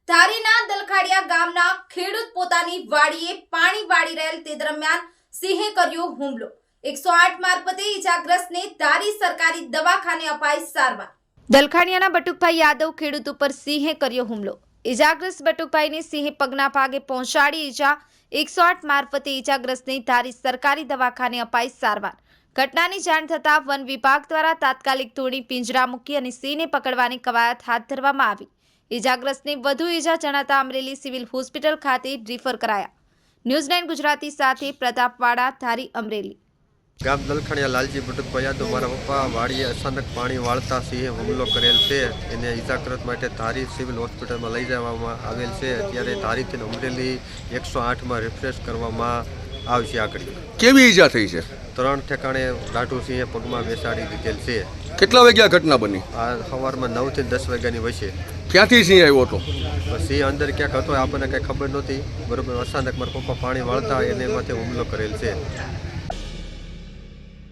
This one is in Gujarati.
ધારીના દલખાડિયા ગામના ખેડૂત પોતાની વાડીએ પાણી વાળી રહેલ તે દરમિયાન સિંહે કર્યો હુમલો। 108 મારફતે ઈજાગ્રસ્તને ધારી સરકારી દવાખાને અપાઈ સારવાર। દલખાડિયાના બટુકભાઈ યાદવ ખેડૂત ઉપર સિંહે કર્યો હુમલો। ઈજાગ્રસ્ત બટુકભાઈને સિંહે પગના ભાગે પહોંચાડી ઈજા। 108 મારફતે ઈજાગ્રસ્તને ધારી સરકારી દવાખાને અપાઈ સારવાર। ઘટનાની જાણ થતાં વન વિભાગ દ્વારા તાત્કાલિક તોડી પિંજરા મૂકી અને સિંહને પકડવાની કવાયત હાથ ધરવામાં આવી। ઈજાગ્રસ્તને વધુ ઈજા જણાતા અમરેલી સિવિલ હોસ્પિટલ ખાતે રિફર કરાયા। ન્યૂઝ 9 ગુજરાતી સાથે પ્રતાપવાડા, ધારી, અમરેલી। ગામ દલખાડિયા લાલજી બટુકભાઈ યાદવ મારા પપ્પા વાડીએ અચાનક પાણી વાળતા સિંહે હુમલો કરેલ છે। એને ઈજાગ્રસ્ત માટે ધારી સિવિલ હોસ્પિટલમાં લઈ જવામાં આવેલ છે। અત્યારે ધારીથી અમરેલી 108માં રિફ્રેશ કરવામાં આવશે। આગળ કેવી ઈજા થઈ છે? 3 ઠેકાણે રાઠુ સિંહે પગમાં બેસાડી દીધેલ છે। કેટલા વાગ્યા ઘટના બની? આ સવારમાં 9 થી 10 વાગ્યાની વચ્ચે। ક્યાંથી સિંહ આવ્યો હતો? સિંહ અંદર ક્યાંક હતો, આપણને કંઈ ખબર નહોતી। બરોબર, અચાનક મારા પપ્પા પાણી વાળતા એને માથે હુમલો કરેલ છે।